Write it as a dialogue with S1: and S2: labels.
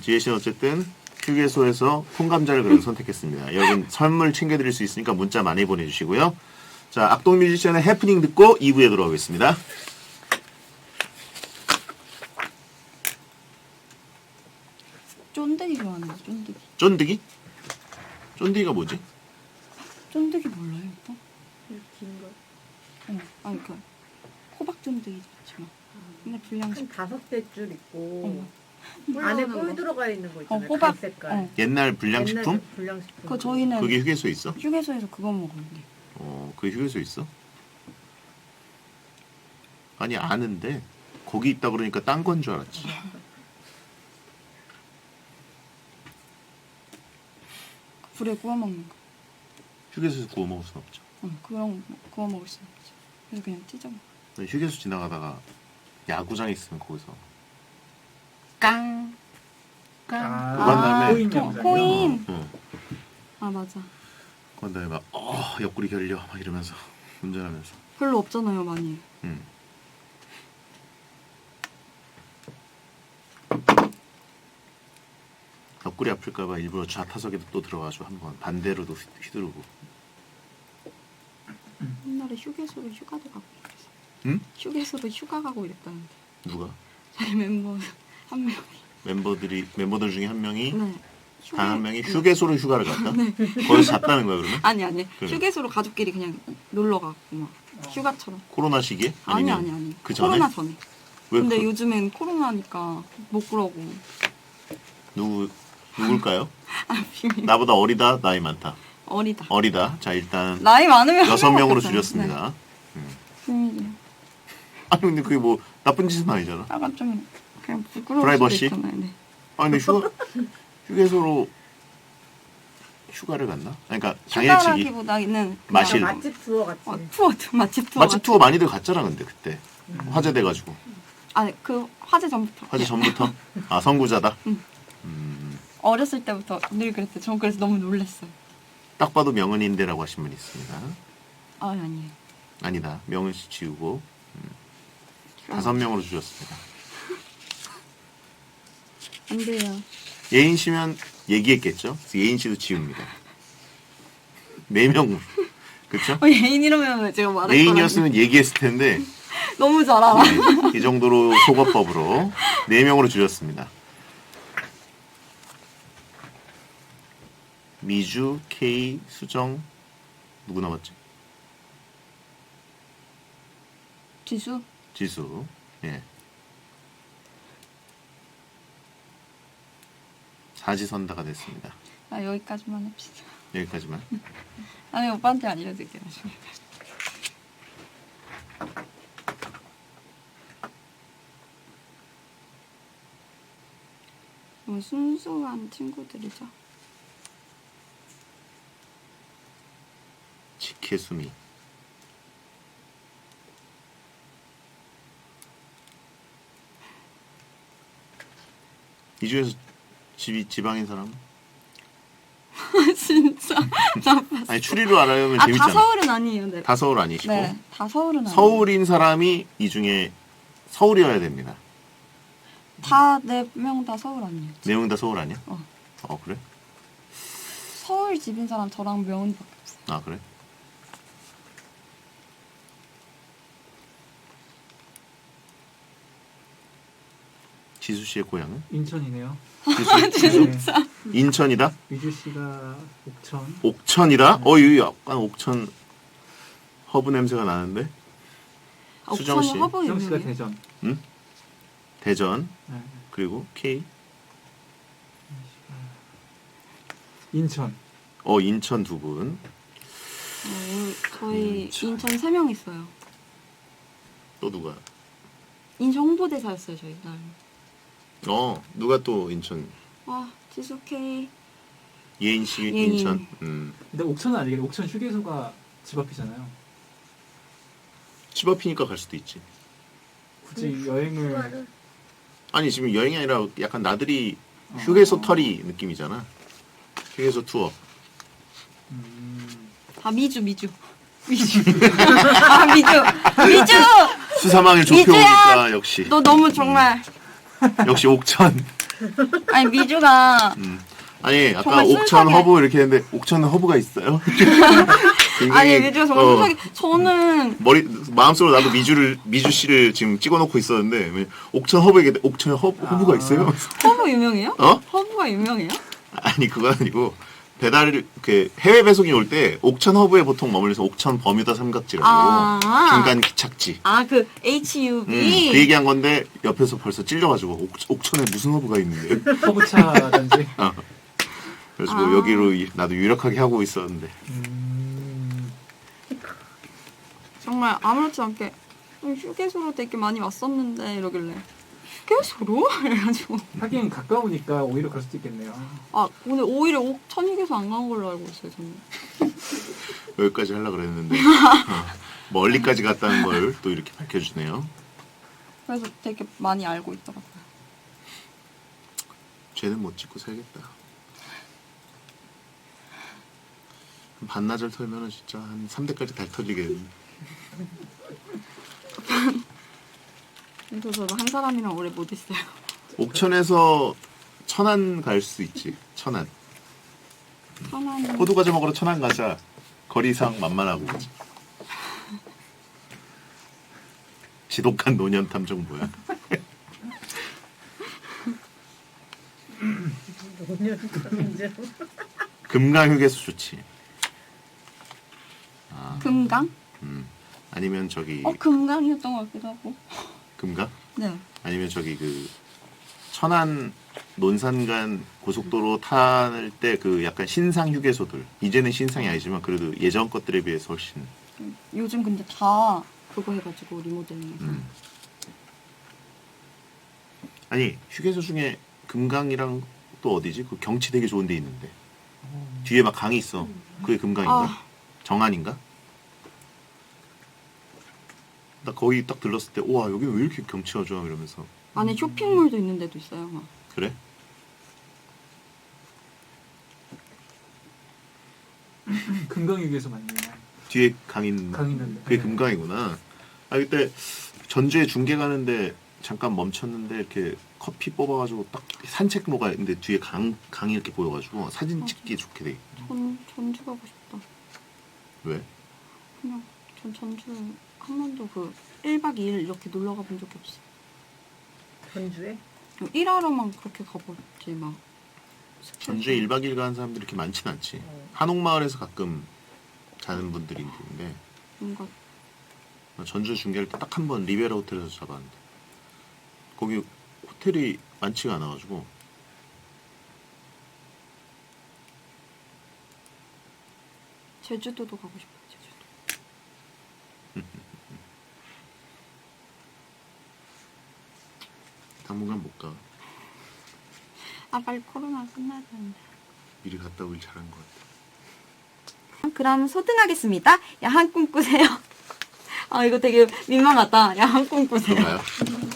S1: 지혜 씨는 어쨌든 휴게소에서 통감자를 그래도 선택했습니다. 여러분 선물 챙겨드릴 수 있으니까 문자 많이 보내주시고요. 자, 악동 뮤지션의 해프닝 듣고 2부에 돌아오겠습니다.
S2: 쫀득이 좋아하는데 쫀득이.
S1: 쫀득이? 쫀득이가 뭐지?
S2: 쫀득이 몰라요, 오빠?
S3: 긴 거.
S2: 아니 그 호박 쫀득이 좋지만. 근데 불량식.
S3: 한 5줄 있고
S2: 뿔
S3: 안에
S2: 넣는
S3: 꿀
S2: 거.
S3: 들어가 있는 거 있잖아요.
S2: 호박.
S3: 갈색깔.
S1: 옛날 불량식품?
S3: 옛날 불량식품.
S2: 그 저희는
S1: 그게 휴게소에 있어?
S2: 휴게소에서 그거 먹었는데.
S1: 그게 휴게소에 있어? 아니 아는데 거기 있다 그러니까 딴 건 줄 알았지.
S2: 불에 구워 먹는 거.
S1: 휴게소에서 구워 먹을 순 없죠.
S2: 그런 거 구워 먹을 수 없지. 그래서 그냥 찢어 먹어.
S1: 휴게소 지나가다가 야구장 있으면 거기서
S2: 깡.
S1: 그거 한 다음에
S4: 코인 영상이요?
S2: 코인.
S1: 응.
S2: 아 맞아.
S1: 그런 다음에 막 옆구리 결려 막 이러면서 운전하면서.
S2: 별로 없잖아요, 많이.
S1: 응. 옆구리 아플까봐 일부러 좌타석에도 또 들어가서 한번 반대로도 휘두르고.
S2: 옛날에 휴게소로 휴가도 가고 이랬어.
S1: 응?
S2: 휴게소로 휴가 가고 이랬다는데.
S1: 누가?
S2: 저희 멤버 한 명이.
S1: 멤버들 중에 한 명이
S2: 네.
S1: 단 한 명이 휴게소로 휴가를 갔다. 거기서 잤다는 거야 그러면?
S2: 아니.
S1: 그래.
S2: 휴게소로 가족끼리 그냥 놀러 가고 막 휴가처럼.
S1: 코로나 시기에?
S2: 아니.
S1: 아니면 그 전에?
S2: 코로나 전에.
S1: 왜
S2: 근데
S1: 그-
S2: 요즘엔 코로나니까 못 그러고.
S1: 누굴까요?
S2: 아 비밀.
S1: 나보다 어리다, 나이 많다.
S2: 어리다.
S1: 자 일단
S2: 나이 많으면
S1: 6명으로
S2: 네.
S1: 줄였습니다.
S2: 비밀이요.
S1: 아니 근데 그게 뭐 나쁜 짓은 아니잖아.
S2: 약간 좀 그냥 부끄러울
S1: 프라이버시?
S2: 수도 있잖아요. 네.
S1: 아니 근데 휴게소로 휴가를 갔나? 그러니까 당일치기
S2: 휴가라기보다는 그냥
S1: 마실.
S3: 맛집 투어 같이.
S2: 맛집 투어.
S1: 맛집 투어 많이들 갔잖아 근데 그때 화제돼가지고
S2: 아니 그 화제 전부터.
S1: 화제 전부터 아 선구자다.
S2: 어렸을 때부터 늘 그랬어요. 전 그래서 너무 놀랐어요.
S1: 딱 봐도 명은인데라고 하신 분이 있습니다.
S2: 아니에요.
S1: 아니다 명은 씨 지우고 5명으로 줄였습니다.
S2: 안 돼요.
S1: 예인 씨면 얘기했겠죠? 그래서 예인 씨도 지웁니다. 4명으로 그렇죠?
S2: 예인 이러면 제가 말할 거라고.
S1: 예인이었으면 얘기했을 텐데
S2: 너무 잘 알아.
S1: 이 정도로 속어법으로 4명으로 줄였습니다. 미주, K, 수정 누구 남았지?
S2: 지수?
S1: 지수. 예. 사지선다가 됐습니다.
S2: 아 여기까지만 합시다.
S1: 여기까지만.
S2: 아니 오빠한테 알려드릴게요. 나중에. 순수한 친구들이죠.
S1: 직혜수미. 이 중에서 지방인 사람?
S2: 진짜 나빴어.
S1: 아니 추리로 알아보면
S2: 다
S1: 재밌잖아.
S2: 서울은 아니에요. 네.
S1: 다 서울 아니시고
S2: 네, 다 서울은 아니에요.
S1: 서울인 사람이 이 중에 서울이어야 됩니다.
S2: 다 4명 다 서울 아니에요.
S1: 내용 다 서울 아니야?
S2: 어.
S1: 그래?
S2: 서울 집인 사람 저랑 명은밖에 없어요.
S1: 아 그래? 지수 씨의 고향은?
S4: 인천이네요.
S1: 지수? 인천이다?
S4: 위주 씨가 옥천.
S1: 옥천이다? 여기 약간 옥천 허브 냄새가 나는데?
S2: 아,
S1: 수정 씨?
S2: 옥천은 허브
S4: 수정 씨가
S2: 유명해요.
S4: 대전.
S1: 응? 대전
S4: 네.
S1: 그리고 K
S4: 인천.
S1: 인천 두 분.
S2: 저희
S1: 인천.
S2: 인천 3명 있어요.
S1: 또 누가?
S2: 인천 홍보대사였어요 저희 날.
S1: 누가 또 인천?
S2: 와 지수 K.
S1: 예인 씨
S2: 예인.
S1: 인천.
S4: 근데 옥천은 아니겠네. 옥천 휴게소가 집 앞이잖아요.
S1: 집 앞이니까 갈 수도 있지.
S4: 굳이 여행을
S1: 아니 지금 여행이 아니라 약간 나들이 휴게소 털이 느낌이잖아. 휴게소 투어.
S2: 아 미주. 아 미주.
S1: 수사망을 좁혀오니까 역시
S2: 너 너무 정말
S1: 역시 옥천
S2: 아니 미주가
S1: 아니 아까
S2: 정말
S1: 옥천
S2: 순수하게-
S1: 허브 이렇게 했는데 옥천 허브가 있어요?
S2: 아니
S1: 굉장히,
S2: 미주가 정말 순수하게 저는
S1: 마음속으로 나도 미주 씨를 지금 찍어놓고 있었는데 왜 옥천 허브 얘기 옥천 허브가 있어요?
S2: 허브 유명해요?
S1: 어?
S2: 허브가 유명해요?
S1: 아니 그건 아니고 배달 그 해외 배송이 올 때 옥천 허브에 보통 머물러서 옥천 버뮤다 삼각지라고
S2: 아.
S1: 중간 기착지.
S2: 아 그 HUB
S1: 그 얘기한 건데 옆에서 벌써 찔려가지고 옥천에 무슨 허브가 있는데.
S4: 허브차든지.
S1: 그래서
S2: 아.
S1: 여기로 나도 유력하게 하고 있었는데.
S2: 정말 아무렇지 않게 휴게소로 되게 많이 왔었는데 이러길래 휴게소로? 해가지고
S4: 하긴 가까우니까 오히려 그럴 수도 있겠네요.
S2: 아 오늘 오히려 옥천 휴게소 안 간 걸로 알고 있어요 저는.
S1: 여기까지 하려고 그랬는데 멀리까지 갔다는 걸 또 이렇게 밝혀주네요.
S2: 그래서 되게 많이 알고 있더라고요.
S1: 쟤는 못 찍고 살겠다. 반나절 털면은 진짜 한 3대까지 달 털리겠네.
S2: 그래서 저도 한 사람이랑 오래 못 있어요.
S1: 옥천에서 천안 갈 수 있지. 천안.
S2: 편한
S1: 호두 과자 먹으러 천안 가자. 거리상 만만하고. 지독한 노년 탐정 뭐야?
S3: 노년
S1: 금강 휴게소 좋지.
S2: 금강?
S1: 아니면 저기
S2: 금강이었던 것 같기도 하고.
S1: 금강?
S2: 네.
S1: 아니면 저기 그 천안 논산간 고속도로 탈 때 그 약간 신상 휴게소들. 이제는 신상이 아니지만 그래도 예전 것들에 비해서 훨씬.
S2: 요즘 근데 다 그거 해가지고 리모델링해서.
S1: 아니 휴게소 중에 금강이랑 또 어디지? 그 경치 되게 좋은 데 있는데 뒤에 막 강이 있어. 그게 금강인가?
S2: 아.
S1: 정안인가? 나 거기 딱 들렀을 때 우와 여기 왜 이렇게 경치가 좋아 이러면서
S2: 안에 쇼핑몰도 있는 데도 있어요. 막.
S1: 그래?
S4: 금강휴게소 맞네요.
S1: 뒤에 강 있는
S4: 강 있는데.
S1: 그게
S4: 네.
S1: 금강이구나. 아 그때 전주에 중계 가는데 잠깐 멈췄는데 이렇게 커피 뽑아가지고 딱 산책로가 있는데 뒤에 강이 이렇게 보여가지고 사진 찍기 좋게 돼.
S2: 전주 가고 싶다.
S1: 왜?
S2: 그냥 전 전주 한 번도 그 1박 2일 이렇게 놀러 가본 적이 없어요.
S3: 전주에?
S2: 일하러만 그렇게 가봤지 막.
S1: 전주에 1박 2일 가는 사람들이 이렇게 많진 않지. 한옥마을에서 가끔 자는 분들이 있는데
S2: 뭔가
S1: 전주 중계할 때 딱 한 번 리베라 호텔에서 잡았는데 거기 호텔이 많지가 않아가지고
S2: 제주도도 가고 싶어요. 제주도.
S1: 당분간 못 가.
S2: 아 빨리 코로나 끝나야 되는데.
S1: 미리 갔다 오길 잘한 것 같아.
S2: 그럼 소등하겠습니다. 야한 꿈 꾸세요. 아 이거 되게 민망하다. 야한 꿈 꾸세요.
S1: 그런가요?